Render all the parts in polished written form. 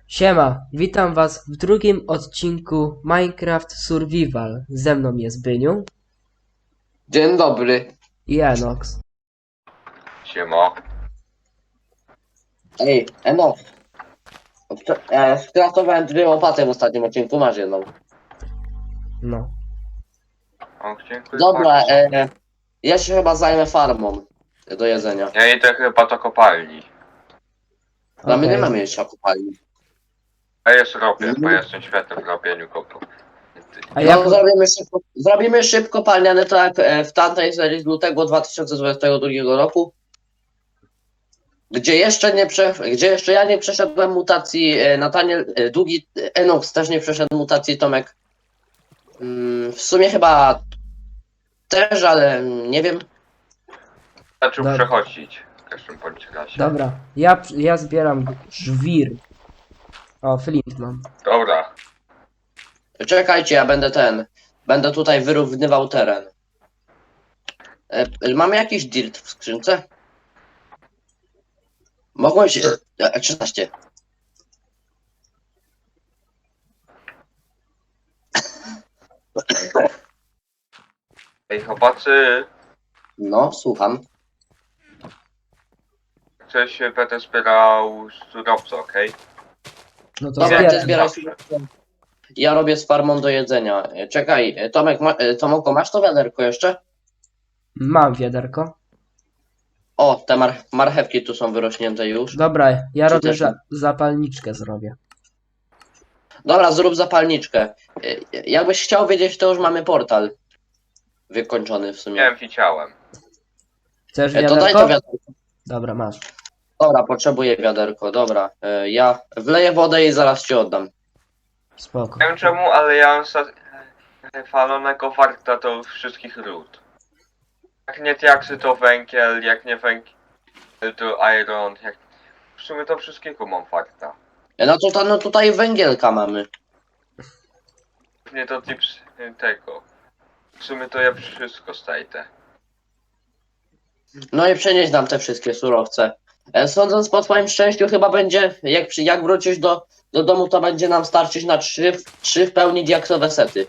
Siema, witam was w drugim odcinku Minecraft Survival. Ze mną jest Byniu Dzień dobry. i Enox. Siema. Ej, Eno. Skraftowałem 2 łopaty w ostatnim odcinku, masz jedną. No. O, dziękuję Dobra, bardzo. ja się chyba zajmę farmą do jedzenia. Ja idę chyba do kopalni. Dla mnie nie Okej. mamy jeszcze kopalni. A jest robię, bo jestem świetny w robieniu kopu. A jak... No, zrobimy szybko kopalniane tak jak w tamtej serii z lutego 2022 roku. Gdzie jeszcze ja nie przeszedłem mutacji, Nataniel, Długi, Enox też nie przeszedł mutacji, Tomek. W sumie chyba też, ale nie wiem. Zaczął Dobra. przechodzić w każdym bądź razie. Dobra, ja zbieram żwir. O, flint mam. Dobra. Czekajcie, ja będę tutaj wyrównywał teren. Mamy jakiś dirt w skrzynce? Mogłem się... 13. Ej chłopacy, No, słucham. coś będę zbierał surowce, okej? No to Dobra, ty zbieram. zbieraj Dobrze. sobie. Ja robię z farmą do jedzenia. Czekaj, Tomek, Tomoko, masz to wiaderko jeszcze? Mam wiaderko. O, te marchewki tu są wyrośnięte już. Dobra, ja Czy robię też nie? zapalniczkę zrobię. Dobra, zrób zapalniczkę. Jakbyś chciał wiedzieć, to już mamy portal. Wykończony w sumie. Miałem widziałem. Chcesz To daj to wiaderko? wiaderko. Dobra, masz. Dobra, potrzebuję wiaderko, dobra. Ja wleję wodę i zaraz ci oddam. Spoko. Nie wiem czemu, ale ja mam falonego warta do wszystkich ród. Jak nie diaksy to węgiel, jak nie węgiel to iron, jak... W sumie to wszystkiego mam warta. No tutaj węgielka mamy. Nie to tips tego. W sumie to ja wszystko stajdę. No i przenieś nam te wszystkie surowce. Sądząc po twoim szczęściu, chyba będzie, jak wrócisz do domu, to będzie nam starczyć na 3 w pełni diaksowe sety.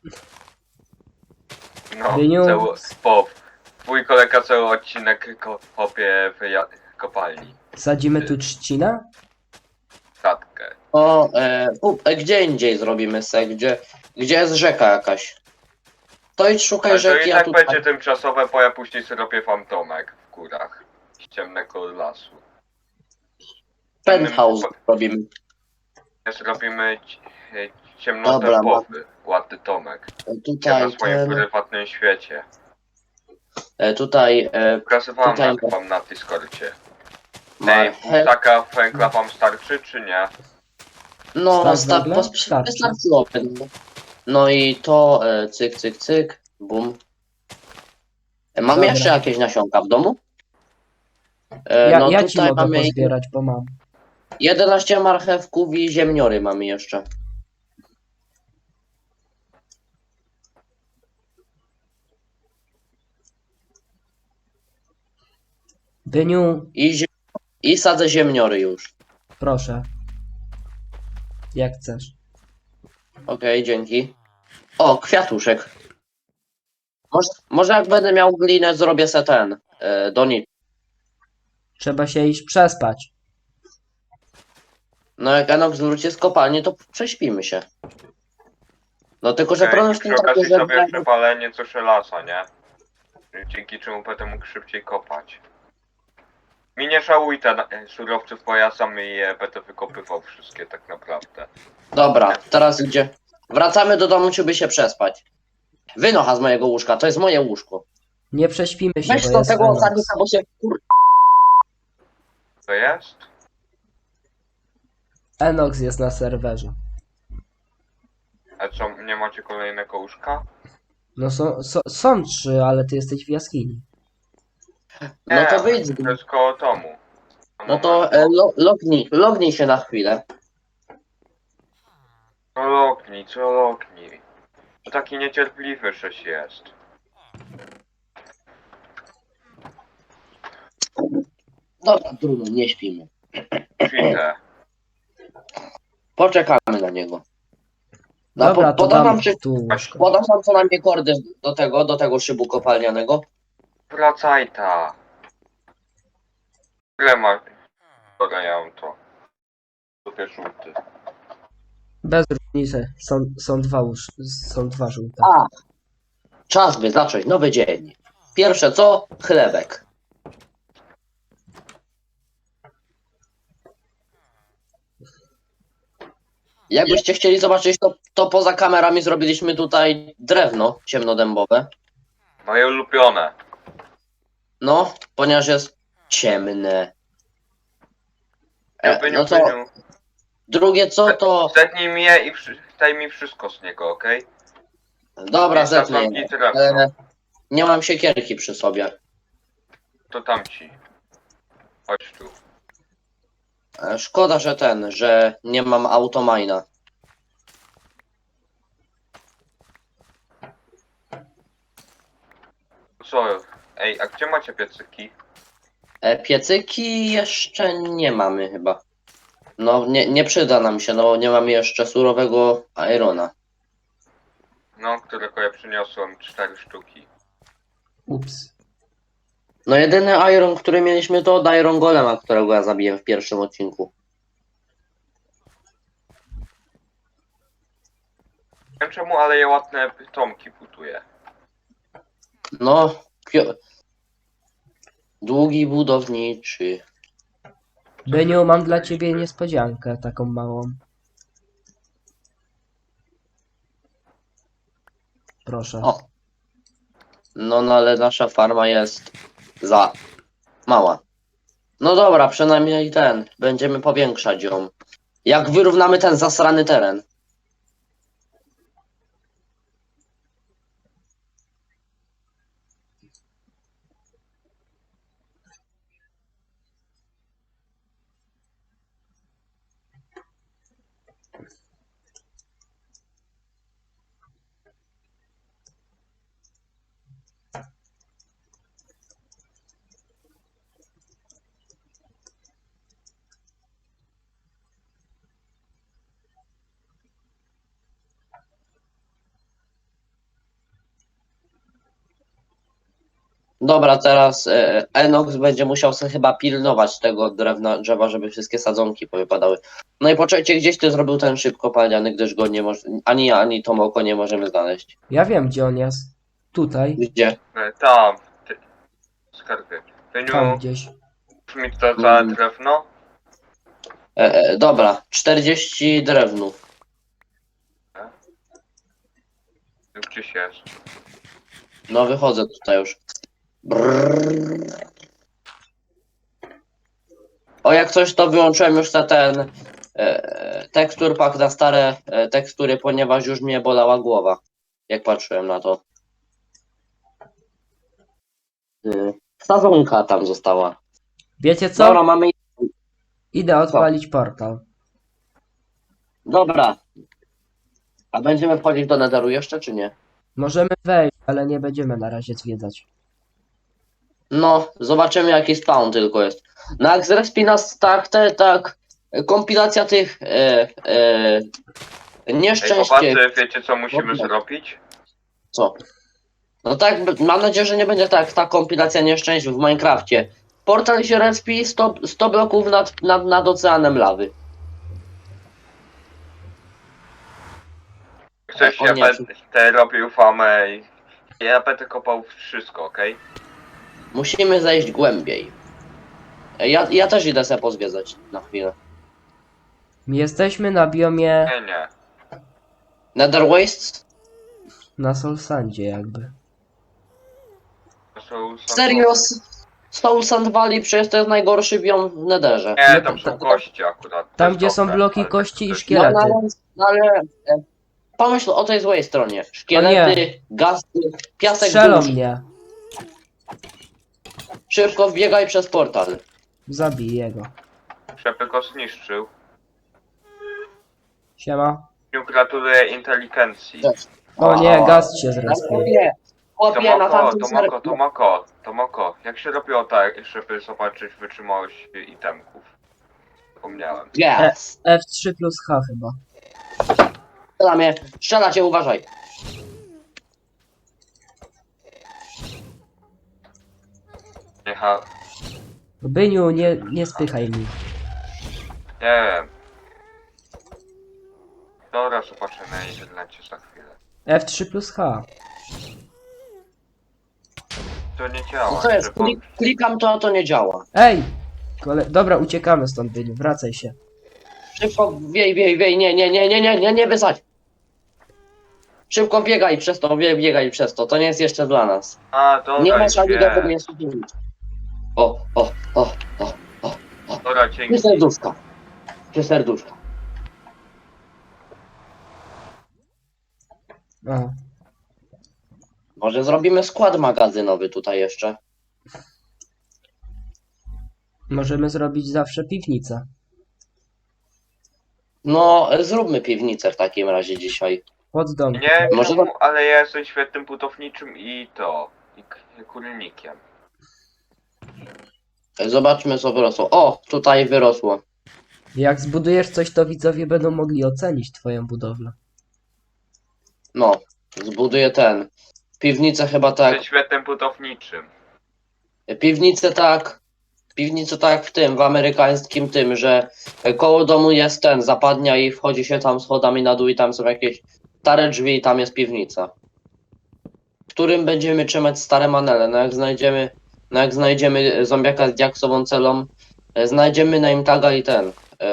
No, Dyniu. Twój kolega cały odcinek kopie w kopalni. Sadzimy tu trzcinę? Statkę. Gdzie indziej zrobimy se, gdzie jest rzeka jakaś. To idź szukaj Ale to rzeki, i a tak tutaj... będzie tymczasowe, bo ja później zrobię wam domek w górach. Z ciemnego lasu. Penthouse robimy. Zrobimy Dobra, ciemnotempowy, ładny domek. Ja Tutaj na swoim prywatnym świecie. tutaj Pokazywałem Tutaj- wam na Discordzie. Ej, marchew. taka węgla wam starczy, czy nie? No, Start węgla? Starczy. wystarczyłoby. No i to cyk, cyk, cyk, bum. Mam Dobra. jeszcze jakieś nasionka w domu? Ja ci tutaj mogę mamy pozbierać, bo mam. 11 marchewków i ziemniory mamy jeszcze. Byniu, I sadzę ziemniory już. proszę. Jak chcesz. Okej, dzięki. O, kwiatuszek. Może jak będę miał glinę, zrobię se ten. Do nic. Trzeba się iść przespać. No jak Enox wróci z kopalni, to prześpimy się. No tylko, że problem I w tym przy taki, okazji że... sobie przepalenie co żelaza, nie? Dzięki czemu będę mógł szybciej kopać. Mi nie żałuj surowców, bo ja sam je będę wykopywał wszystkie tak naprawdę. Dobra, teraz gdzie? Wracamy do domu, żeby się przespać. Wynocha z mojego łóżka, to jest moje łóżko. Nie prześpimy się, Weź bo do jest tego Enox. osadnika, bo się To jest? Enox jest na serwerze. A co, nie macie kolejnego łóżka? No są 3, ale ty jesteś w jaskini. No to wyjdź. To jest koło domu. No to lognij się na chwilę. Co lognij. To taki niecierpliwy żeś jest. Dobra, trudno, nie śpimy. Świtę. Poczekamy na niego. Dobra, to podam dam wam, tu łóżko. podam wam co najmniej kordy do tego szybu kopalnianego. Wracaj ta. Ile ma? Dobra, ja mam to. Super żółty. Bez różnicy. Są dwa żółte. A, czas by zacząć nowy dzień. Pierwsze co? Chlebek. Jakbyście chcieli zobaczyć, to poza kamerami zrobiliśmy tutaj drewno ciemnodębowe. Moje ulubione. No, ponieważ jest ciemne. Byniu, No to Byniu. drugie co to... Zetnij mnie i daj mi wszystko z niego, okej? Dobra, Jest zetnę. sadzonki drewno. Nie mam siekierki przy sobie. To tamci. Chodź tu. Szkoda, że nie mam automajna. Co? Ej, a gdzie macie piecyki? Piecyki jeszcze nie mamy chyba. No, nie przyda nam się, no bo nie mamy jeszcze surowego irona. No, którego ja przyniosłem 4 sztuki. Ups. No jedyny iron, który mieliśmy to od Iron Golema, którego ja zabiłem w pierwszym odcinku. Nie wiem czemu, ale ja ładne tomki buduję. No, długi budowniczy. Byniu, mam dla ciebie niespodziankę taką małą. Proszę. O. No, ale nasza farma jest za mała. No dobra, przynajmniej będziemy powiększać ją. Jak wyrównamy ten zasrany teren. Dobra, teraz Enox będzie musiał sobie chyba pilnować tego drzewa, żeby wszystkie sadzonki powypadały. No i poczekajcie, gdzieś ty zrobił ten szyb kopalniany, gdyż go nie może, ani ja, ani Tomoko nie możemy znaleźć. Ja wiem, gdzie on jest. Tutaj. Gdzie? Tam. Skarbie. Byniu, Tam gdzieś. mi to za drewno? Dobra, 40 drewnów. Gdzieś jest. No wychodzę tutaj już. Brrr. O, jak coś to wyłączyłem już ten tekstur pack na stare tekstury, ponieważ już mnie bolała głowa, jak patrzyłem na to. Sadzonka tam została. Wiecie co? Dobra, mamy... Idę odpalić portal. Dobra. A będziemy wchodzić do Netheru jeszcze, czy nie? Możemy wejść, ale nie będziemy na razie zwiedzać. No, zobaczymy jaki spawn tylko jest. Na Xrespi nas tak, kompilacja tych Ej, nieszczęście. chłopacy, wiecie co musimy Dobra. zrobić? Co? No tak, mam nadzieję, że nie będzie tak ta kompilacja nieszczęść w Minecrafcie. Portal się respi 100 bloków nad oceanem lawy. Chcesz, O ja nie. będę robił famę i ja będę kopał wszystko, okej? Musimy zejść głębiej. Ja też idę sobie pozwiedzać na chwilę. Jesteśmy na biomie Nie. Nether Wastes? na Solsandzie jakby. To są Serio? Soul Sand Valley przecież to jest najgorszy biom w Netherze. Nie, tam są kości akurat. to Tam jest gdzie są dobre, bloki ale kości to i jest- szkielety. Ale pomyśl o tej złej stronie. Szkielety, gasty, piasek Strzelą burz. mnie. Szybko wbiegaj przez portal. Zabiję go. Żeby go zniszczył. Siema. Gratuluję inteligencji. O nie, gaz się zrespił. Nie, chłopie, na tamtym serwerze. Tomoko, jak się robiło tak, żeby zobaczyć wytrzymałość itemków? Zapomniałem. Yes! F3 plus H chyba. Strzela cię, uważaj. Jecha... Byniu, nie spychaj mi. Nie wiem. Dobra, zobaczę na internecie za chwilę. F3 plus H. To nie działa. No to jest, że po- klikam to, a to nie działa. Ej! Dobra, uciekamy stąd, Byniu, wracaj się. Szybko, wiej, nie wysadź. Szybko biegaj przez to, biegaj przez to, to nie jest jeszcze dla nas. A, dobra, Nie już masz ani wiem. do tego jest O. Dobra, dzięki. Trzy serduszka. Trzy serduszka. O. Może zrobimy skład magazynowy tutaj jeszcze. Możemy zrobić zawsze piwnicę. No, zróbmy piwnicę w takim razie dzisiaj. Pod dom. Nie Może czemu, ale ja jestem świetnym budowniczym i kurnikiem. Zobaczmy co wyrosło. O, tutaj wyrosło. Jak zbudujesz coś, to widzowie będą mogli ocenić twoją budowlę. No, zbuduję ten. Piwnicę chyba tak. Jestem świetnym budowniczym. Piwnicę tak w tym, w amerykańskim tym, że koło domu jest ten, zapadnia i wchodzi się tam schodami na dół i tam są jakieś stare drzwi i tam jest piwnica. W którym będziemy trzymać stare manele. Jak znajdziemy zombiaka z diaksową celą, znajdziemy name taga i ten.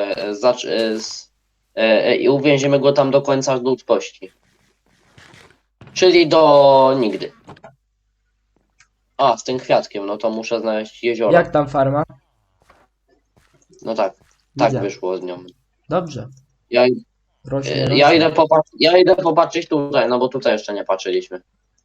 I uwięzimy go tam do końca ludzkości. Czyli do nigdy. A, z tym kwiatkiem, no to muszę znaleźć jezioro. Jak tam farma? No tak, tak Widzę. wyszło z nią. Dobrze. Ja, Rośnie, ja, rośnie. ja idę popatrzeć tutaj, no bo tutaj jeszcze nie patrzyliśmy.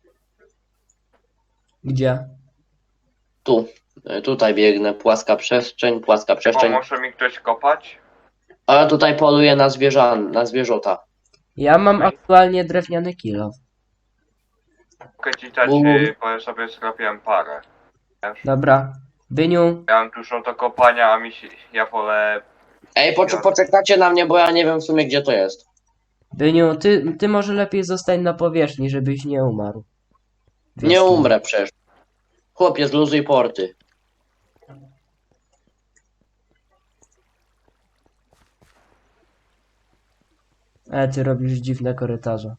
Gdzie? Tu, tutaj biegnę, płaska przestrzeń. Pomoże mi ktoś kopać? A ja tutaj poluję na zwierzęta. Ja mam aktualnie drewniany kilo. Mogę ci dać, U. bo ja sobie zrobiłem parę. Wiesz? Dobra. Byniu, Ja mam dużo do kopania, a ja wolę... Ej, poczekacie na mnie, bo ja nie wiem w sumie gdzie to jest. Byniu, ty może lepiej zostań na powierzchni, żebyś nie umarł. W Nie jaskini. umrę przecież. Chłopie, zluzuj porty. Ty robisz dziwne korytarze.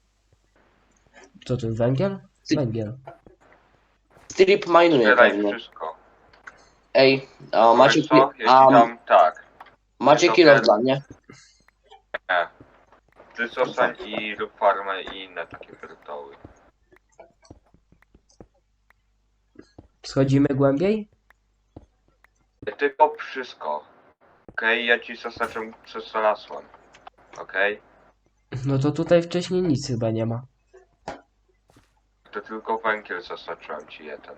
Co to, węgiel? Węgiel. Strip minuje Zbieraj pewnie. wszystko. Ej, a macie, Wiesz co? Jeśli a, dam tak. macie to kilo ten- dla mnie? Nie. Ty zostań i rób farmę i inne takie wirtuały. Schodzimy głębiej? Ty kop wszystko. Okej, ja ci zaznaczę przez znalazłem. Okej? No to tutaj wcześniej nic chyba nie ma. To tylko węgiel zaznaczyłem ci jeden.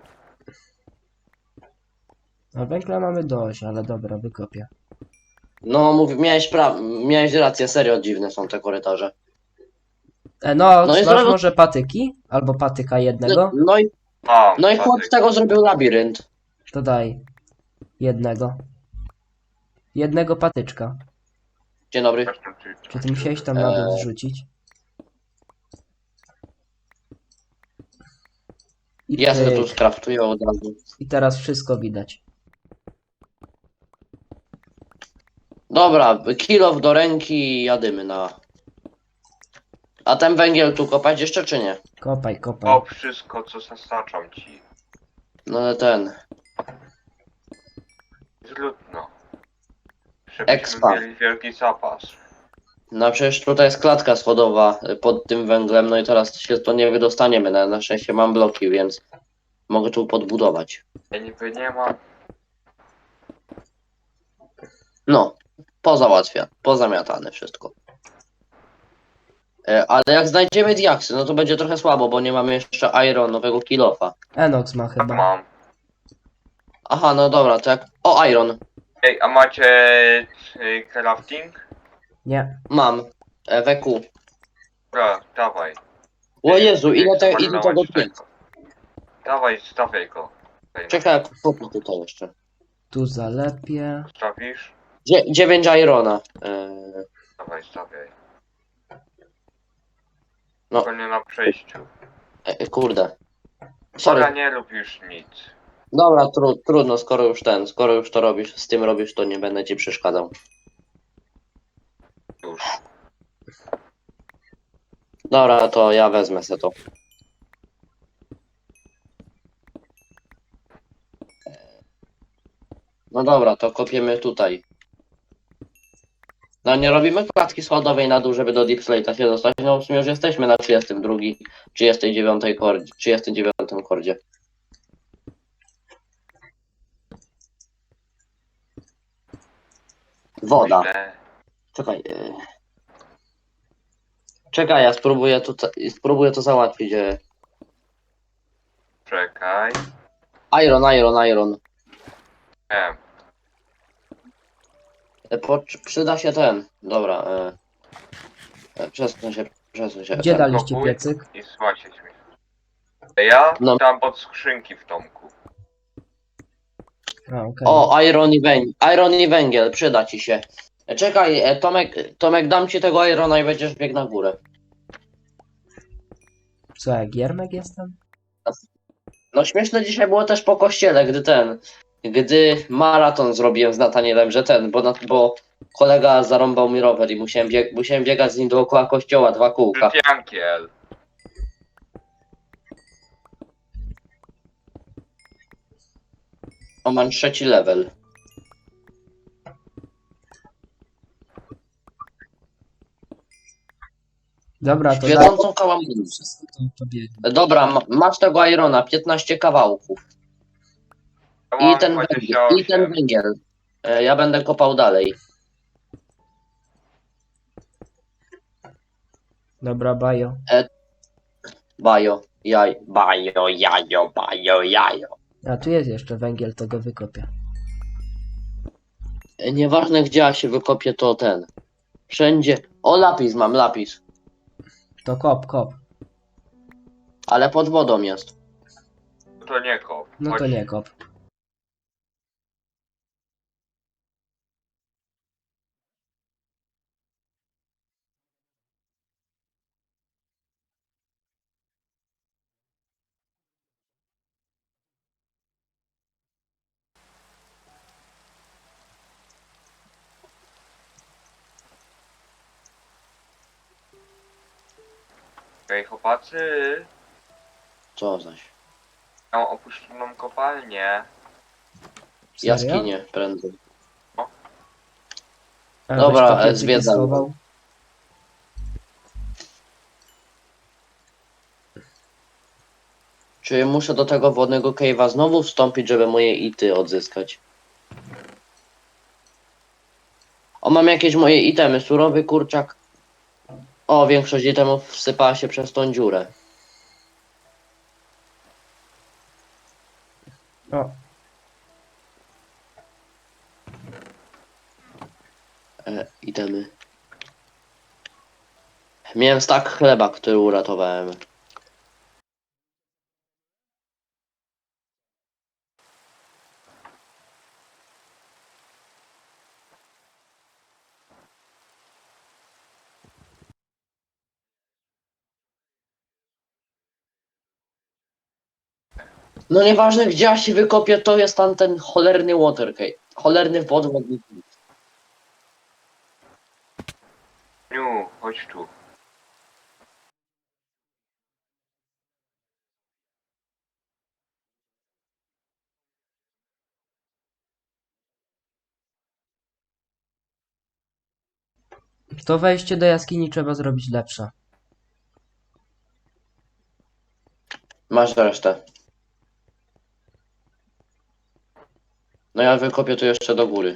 A węgla mamy dość, ale dobra, wykopię. No, miałeś rację, serio dziwne są te korytarze. No, No i masz zaraz- może patyki? Albo patyka jednego? No i chłop z tego zrobił labirynt. To daj. Jednego. Jednego patyczka. Dzień dobry. Czy ty musiałeś tam na dół zrzucić? Ja sobie tu pyk. skraftuję od razu. I teraz wszystko widać. Dobra, kilo do ręki i jadymy na... A ten węgiel tu kopać jeszcze czy nie? Kopaj, kopaj. Kop wszystko, co zaznaczam ci. No ale ten... Zludno. Żebyśmy Expa. mieli wielki zapas. No przecież tutaj jest klatka schodowa pod tym węglem, no i teraz się to nie wydostaniemy. Na szczęście mam bloki, więc mogę tu podbudować. Ja niby nie mam. No, pozamiatane wszystko. Ale jak znajdziemy diaksy, no to będzie trochę słabo, bo nie mamy jeszcze ironowego kilofa. Enox ma chyba. Mam. Aha, no dobra, to jak... O, iron! Ej, a macie crafting? Nie. Mam. WQ. Dobra, dawaj. O Jezu, ile Zmarnować tego tu jest? tego. Dawaj, stawiaj go. Tutaj, Czekaj, kupię tutaj jeszcze. Tu zalepię. Stawisz? 9 irona. Dawaj, stawiaj. No. Tylko nie na przejściu. Kurde. Dobra, Sorry. nie rób już nic. Dobra, trudno, skoro już to robisz, z tym robisz, to nie będę ci przeszkadzał. Już. Dobra, to ja wezmę se to. No dobra, to kopiemy tutaj. No nie robimy klatki schodowej na dół, żeby do Deep Slate'a się dostać. No w sumie już jesteśmy na 32, 39 kordzie, 39 kordzie. Woda. Źle. Czekaj. Czekaj, ja spróbuję to załatwić. Czekaj. Iron. Nie. Przyda się ten. Dobra. Przesuń się. Gdzie daliście Blokuj piecyk? I słuchajcie mnie. Ja No. tam pod skrzynki w domku. A, okej. O, iron i węgiel, przyda ci się. Czekaj, Tomek, dam ci tego irona i będziesz biegł na górę. Co, jak Giermek jestem? No śmieszne dzisiaj było też po kościele, gdy maraton zrobiłem z Natanielem, że bo kolega zarąbał mi rower i musiałem biegać z nim dookoła kościoła 2 kółka. Żytiankiel. O, mam 3 level. Dobra, to daj Świecącą kałamarę. wszystko, to biegnie. Dobra, masz tego irona, 15 kawałków. Ja I mam ten węgiel. 28. Ja będę kopał dalej. Dobra, bajo. Jajo. A tu jest jeszcze węgiel, to go wykopię. Nieważne gdzie ja się wykopię, to ten. Wszędzie. O, mam lapis. To kop. Ale pod wodą jest. To nie kop. No to Chodź. nie kop. Okej, chłopacy. Co zaś? Mam opuszczoną kopalnię. Serio? Jaskinie prędzej. A, Dobra, weź to piecyki zwiedzam. schował. Czy muszę do tego wodnego cave'a znowu wstąpić, żeby moje ity odzyskać? O, mam jakieś moje itemy. Surowy kurczak. O, większość itemów wsypała się przez tą dziurę. O, Itemy. Miałem stak chleba, który uratowałem. No nieważne gdzie ja się wykopię, to jest tam ten cholerny water cave. Cholerny wodny. Niu, chodź tu. to wejście do jaskini trzeba zrobić lepsze. Masz resztę. No ja wykopię tu jeszcze do góry.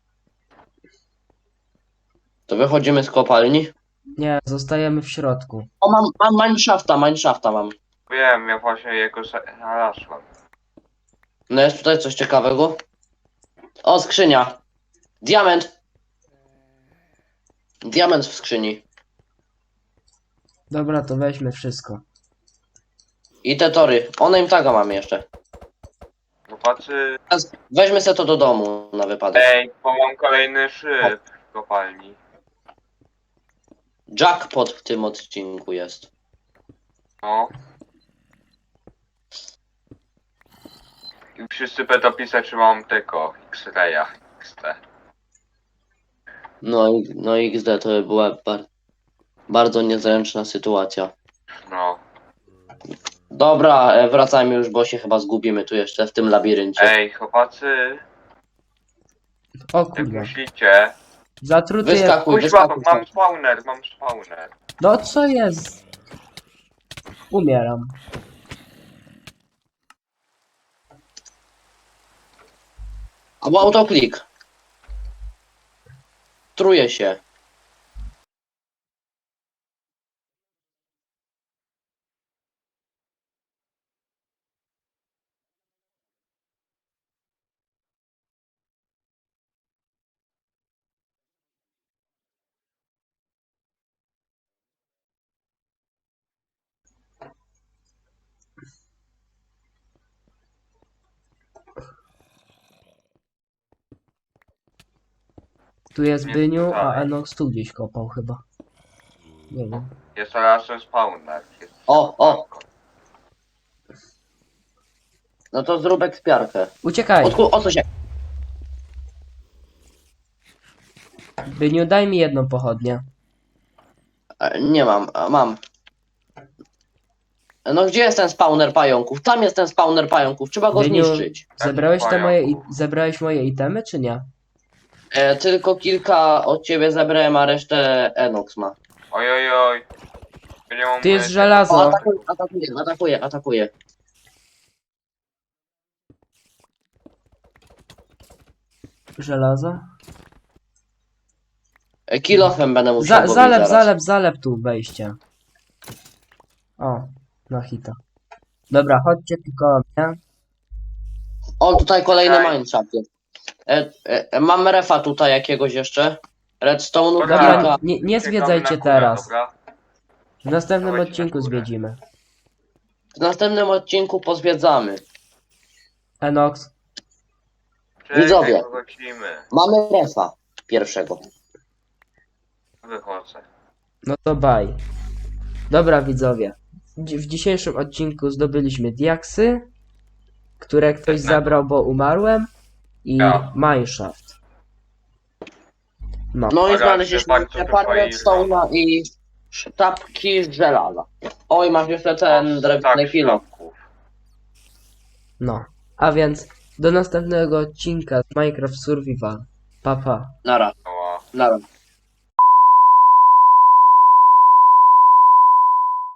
To wychodzimy z kopalni. Nie, zostajemy w środku. O, mam mineshafta mam. Wiem, ja właśnie jego znalazłem. No jest tutaj coś ciekawego. O, skrzynia. Diament. Diament w skrzyni. Dobra, to weźmy wszystko. I te tory. O, name taga mamy jeszcze. No chłopacy. Weźmy se to do domu na wypadek. Ej, bo mam kolejny szyb w kopalni. Jackpot w tym odcinku jest. No. I wszyscy będą pisać, że mam tylko X-raya, XT. No XD to była bardzo niezręczna sytuacja. No. Dobra, wracajmy już, bo się chyba zgubimy tu jeszcze w tym labiryncie. Ej, chłopacy, O jak kurwa. myślicie? Zatruty jest... Wyskakuj, Kuźwa, wyskakuj. mam spawner. No co jest? Umieram. Albo autoklik. Truje się. Tu jest Nie Byniu, a dalej. Enox tu gdzieś kopał chyba. Nie wiem. Jest teraz ten spawner. O. No to zrób ekspiarkę. Uciekaj! O co się? Byniu, daj mi jedną pochodnię. Nie mam, mam. No gdzie jest ten spawner pająków? Tam jest ten spawner pająków, trzeba go Byniu, zniszczyć. zebrałeś moje itemy, czy nie? Tylko kilka od ciebie zebrałem, a resztę Enox ma. Oj. Nie mam Tu jest myszy. żelazo. O, atakuje. Żelazo? Kilofem będę musiał go bić zaraz. Zalep tu wejście. O, na hita. Dobra, chodźcie tylko mnie. O, tutaj kolejny Okej. mineshaft jest. Mam refa tutaj jakiegoś jeszcze. Redstone'u Dobra. kilka. Dobra, nie Czekamy zwiedzajcie na górę, teraz. dobra? W następnym Dawajcie odcinku na górę. zwiedzimy. W następnym odcinku pozwiedzamy. Enox, Czekaj, Widzowie. Wrócimy. Mamy refa pierwszego. Wychodzę. no to bye. Dobra widzowie. W dzisiejszym odcinku zdobyliśmy diaksy, które ktoś Pewnego. zabrał, bo umarłem. I Ja. No mineshaft. No. i Dobra, znaleźliśmy bardzo parę dużo redstone'a i sztabki z żelaza. Oj, masz jeszcze ten drewniany Tak, kilo. szlaków. No. A więc do następnego odcinka z Minecraft Survival. Pa pa. Nara, No, nara.